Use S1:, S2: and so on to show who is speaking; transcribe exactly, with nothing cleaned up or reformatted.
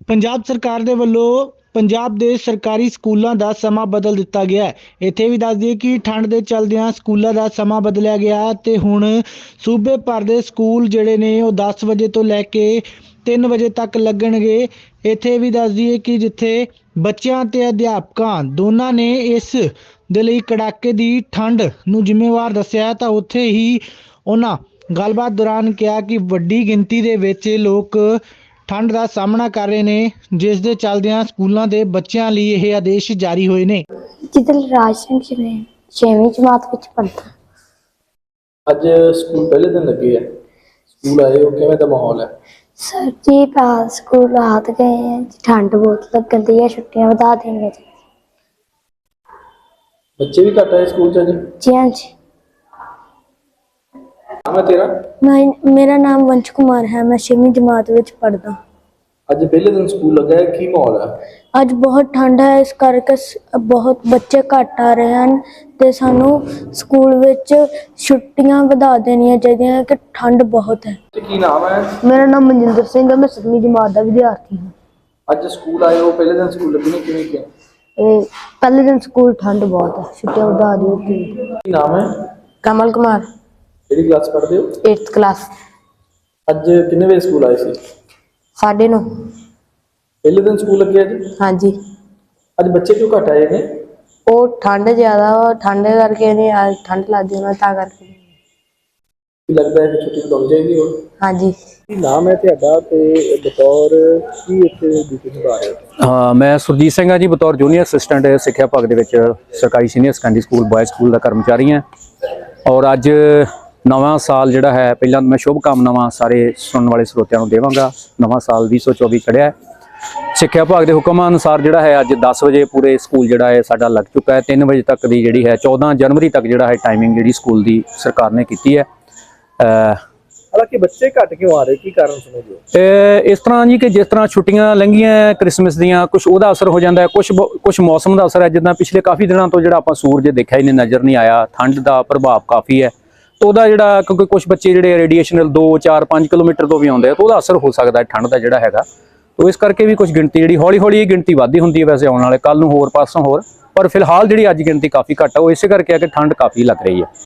S1: ਪੰਜਾਬ ਸਰਕਾਰ ਦੇ ਵੱਲੋਂ ਪੰਜਾਬ ਦੇ ਸਰਕਾਰੀ ਸਕੂਲਾਂ ਦਾ ਸਮਾਂ ਬਦਲ ਦਿੱਤਾ ਗਿਆ ਹੈ। ਇੱਥੇ ਵੀ ਦੱਸ ਦਈਏ ਕਿ ਠੰਡ ਦੇ ਚੱਲਦਿਆਂ ਸਕੂਲਾਂ ਦਾ ਸਮਾਂ ਬਦਲਿਆ ਗਿਆ ਤੇ ਹੁਣ ਸੂਬੇ ਭਰ ਦੇ ਸਕੂਲ ਜਿਹੜੇ ਨੇ ਉਹ ਦਸ ਵਜੇ ਤੋਂ ਲੈ ਕੇ ਤਿੰਨ ਵਜੇ ਤੱਕ ਲੱਗਣਗੇ। ਇੱਥੇ ਵੀ ਦੱਸ ਦਈਏ ਕਿ ਜਿੱਥੇ ਬੱਚਿਆਂ ਤੇ ਅਧਿਆਪਕਾਂ ਦੋਨਾਂ ਨੇ ਇਸ ਦੇ ਲਈ ਕੜਾਕੇ ਦੀ ਠੰਡ ਨੂੰ ਜ਼ਿੰਮੇਵਾਰ ਦੱਸਿਆ ਤਾਂ ਉੱਥੇ ਹੀ ਉਹਨਾਂ ਗੱਲਬਾਤ ਦੌਰਾਨ ਕਿਹਾ ਕਿ ਵੱਡੀ ਗਿਣਤੀ ਦੇ ਵਿੱਚ ਲੋਕ ਠੰਡ ਦਾ ਸਾਹਮਣਾ ਕਰ ਰਹੇ ਨੇ, ਜਿਸ ਦੇ ਚੱਲਦਿਆਂ ਸਕੂਲਾਂ ਦੇ ਬੱਚਿਆਂ ਲਈ ਇਹ ਆਦੇਸ਼ ਜਾਰੀ ਹੋਏ ਨੇ।
S2: ਜਿੱਦਲ ਰਾਜ ਸਿੰਘ ਛੇਵੀਂ ਜਮਾਤ ਵਿੱਚ ਪੜ੍ਹਦਾ।
S3: ਅੱਜ ਸਕੂਲ ਪਹਿਲੇ ਦਿਨ ਲੱਗੇ ਆ, ਸਕੂਲ ਆਏ ਹੋ, ਕਿਵੇਂ ਦਾ ਮਾਹੌਲ ਹੈ?
S2: ਸਰ ਜੀ ਪਾ ਸਕੂਲ ਆਤ ਗਏ हैं, ठंड बहुत लगन दी है, छुट्टियां ਵਧਾ देंगे जी।
S3: ਬੱਚੇ ਵੀ ਘੱਟ ਆਏ ਸਕੂਲ ਚ ਅੱਜ?
S2: जी हाँ जी।
S3: ਨਾਮ ਹੈ ਤੇਰਾ?
S2: मैं मेरा नाम वंश कुमार है, मैं छेवीं जमात ਵਿੱਚ ਪੜ੍ਹਦਾ।
S3: ਅੱਜ ਪਹਿਲੇ ਦਿਨ ਸਕੂਲ ਲੱਗਾ ਹੈ, ਕੀ ਮਾਹੌਲ ਹੈ?
S2: ਅੱਜ ਬਹੁਤ ਠੰਡ ਹੈ, ਇਸ ਕਰਕੇ ਸ- ਬਹੁਤ ਬੱਚੇ ਘੱਟ ਆ ਰਹੇ ਹਨ ਤੇ ਸਾਨੂੰ ਸਕੂਲ ਵਿੱਚ ਛੁੱਟੀਆਂ ਵਧਾ ਦੇਣੀਆਂ ਚਾਹੀਦੀਆਂ ਕਿ ਠੰਡ ਬਹੁਤ ਹੈ।
S3: ਤੇ ਕੀ ਨਾਮ ਹੈ?
S2: ਮੇਰਾ ਨਾਮ ਮਨਜਿੰਦਰ ਸਿੰਘ ਹੈ, ਮੈਂ ਸੱਤਵੀਂ ਜਮਾਤ ਦਾ ਵਿਦਿਆਰਥੀ ਹਾਂ।
S3: ਅੱਜ ਸਕੂਲ ਆਏ ਹੋ, ਪਹਿਲੇ ਦਿਨ ਸਕੂਲ ਲੱਗੇ ਨੇ, ਕਿਵੇਂ ਕਿਹਾ?
S2: ਇਹ ਪਹਿਲੇ ਦਿਨ ਸਕੂਲ ਠੰਡ ਬਹੁਤ ਹੈ, ਛੁੱਟੀਆਂ ਵਧਾ ਦਿੱਤੀ।
S3: ਕੀ ਨਾਮ ਹੈ?
S2: ਕਮਲ ਕੁਮਾਰ,
S3: ਕਿਹੜੀ ਕਲਾਸ ਪੜ੍ਹਦੇ ਹੋ?
S2: eighth class.
S3: ਅੱਜ ਕਿੰਨੇ ਵਜੇ ਸਕੂਲ ਆਏ ਸੀ?
S2: ਸਾਢੇ ਨੌ।
S3: ਪਹਿਲੇ ਦਿਨ ਸਕੂਲ ਲੱਗੇ ਅੱਜ?
S2: ਹਾਂਜੀ,
S3: ਅੱਜ ਬੱਚੇ ਕਿਉਂ ਘੱਟ ਆਏ ਨੇ?
S2: ਉਹ ਠੰਡ ਜ਼ਿਆਦਾ ਵਾ, ਠੰਡ ਕਰਕੇ ਨਹੀਂ ਆ, ਠੰਡ ਲੱਗਦੀ ਉਹਨਾਂ ਤਾਂ ਕਰਕੇ।
S3: ਕੀ ਲੱਗਦਾ ਹੈ ਕਿ ਛੁੱਟੀ ਵਧਾਉਣੀ ਚਾਹੀਦੀ ਹੋਰ?
S2: ਹਾਂਜੀ।
S3: ਕੀ ਨਾਮ ਹੈ ਤੁਹਾਡਾ ਤੇ ਬਤੌਰ ਕੀ ਇੱਥੇ ਡਿਊਟੀ ਨਿਭਾ ਰਹੇ ਹੋ?
S4: ਹਾਂ, ਮੈਂ ਸੁਰਜੀਤ ਸਿੰਘ ਹਾਂ ਜੀ, ਬਤੌਰ ਜੂਨੀਅਰ ਅਸਿਸਟੈਂਟ ਸਿੱਖਿਆ ਵਿਭਾਗ ਦੇ ਵਿੱਚ ਸਰਕਾਰੀ senior secondary school boys school ਦਾ ਕਰਮਚਾਰੀ ਹਾਂ। ਔਰ ਅੱਜ ਨਵਾਂ ਸਾਲ ਜਿਹੜਾ ਹੈ, ਪਹਿਲਾਂ ਮੈਂ ਸ਼ੁਭ ਕਾਮਨਾਵਾਂ ਸਾਰੇ ਸੁਣਨ ਵਾਲੇ ਸਰੋਤਿਆਂ ਨੂੰ ਦੇਵਾਂਗਾ। ਨਵਾਂ ਸਾਲ ਵੀਹ ਸੌ ਚੌਵੀ ਚੜ੍ਹਿਆ ਹੈ। ਸਿੱਖਿਆ ਵਿਭਾਗ ਦੇ ਹੁਕਮਾਂ ਅਨੁਸਾਰ ਜਿਹੜਾ ਹੈ ਅੱਜ ਦਸ ਵਜੇ ਪੂਰੇ ਸਕੂਲ ਜਿਹੜਾ ਹੈ ਸਾਡਾ ਲੱਗ ਚੁੱਕਾ ਹੈ। ਤਿੰਨ ਵਜੇ ਤੱਕ ਦੀ ਜਿਹੜੀ ਹੈ ਚੌਦਾਂ ਜਨਵਰੀ ਤੱਕ ਜਿਹੜਾ ਹੈ ਟਾਈਮਿੰਗ ਜਿਹੜੀ ਸਕੂਲ ਦੀ ਸਰਕਾਰ ਨੇ ਕੀਤੀ ਹੈ।
S3: ਹਾਲਾਂਕਿ ਬੱਚੇ ਘੱਟ ਕਿਉਂ ਆ ਰਹੇ, ਕੀ ਕਾਰਨ ਸਮਝਦੇ ਹੋ?
S4: ਇਹ ਇਸ ਤਰ੍ਹਾਂ ਜੀ ਕਿ ਜਿਸ ਤਰ੍ਹਾਂ ਛੁੱਟੀਆਂ ਲੰਘੀਆਂ ਕ੍ਰਿਸਮਸ ਦੀਆਂ, ਕੁਝ ਉਹਦਾ ਅਸਰ ਹੋ ਜਾਂਦਾ ਹੈ, ਕੁਝ ਕੁਝ ਮੌਸਮ ਦਾ ਅਸਰ ਹੈ। ਜਿੱਦਾਂ ਪਿਛਲੇ ਕਾਫੀ ਦਿਨਾਂ ਤੋਂ ਜਿਹੜਾ ਆਪਾਂ ਸੂਰਜ ਦੇਖਿਆ ਹੀ ਨਹੀਂ, ਨਜ਼ਰ ਨਹੀਂ ਆਇਆ, ਠੰਡ ਦਾ ਪ੍ਰਭਾਵ ਕਾਫੀ ਹੈ। ਤਾਂ ਉਹਦਾ ਜਿਹੜਾ, ਕਿਉਂਕਿ ਕੁਝ ਬੱਚੇ ਜਿਹੜੇ ਰੇਡੀਏਸ਼ਨ ਦੋ ਚਾਰ ਪੰਜ ਕਿਲੋਮੀਟਰ ਤੋਂ ਵੀ ਆਉਂਦੇ ਆ, ਤਾਂ ਉਹਦਾ ਅਸਰ ਹੋ ਸਕਦਾ ਹੈ ਠੰਡ ਦਾ ਜਿਹੜਾ ਹੈਗਾ। ਤਾਂ ਇਸ ਕਰਕੇ ਵੀ ਕੁਝ ਗਿਣਤੀ ਜਿਹੜੀ ਹੌਲੀ ਹੌਲੀ ਇਹ ਗਿਣਤੀ ਵੱਧਦੀ ਹੁੰਦੀ ਹੈ ਵੈਸੇ, ਆਉਣ ਵਾਲੇ ਕੱਲ ਨੂੰ ਹੋਰ ਪਾਸੋਂ ਹੋਰ, ਪਰ ਫਿਲਹਾਲ ਜਿਹੜੀ ਅੱਜ ਗਿਣਤੀ ਕਾਫੀ ਘੱਟ ਹੈ, ਉਹ ਇਸੇ ਕਰਕੇ ਹੈ ਕਿ ਠੰਡ ਕਾਫੀ ਲੱਗ ਰਹੀ ਹੈ।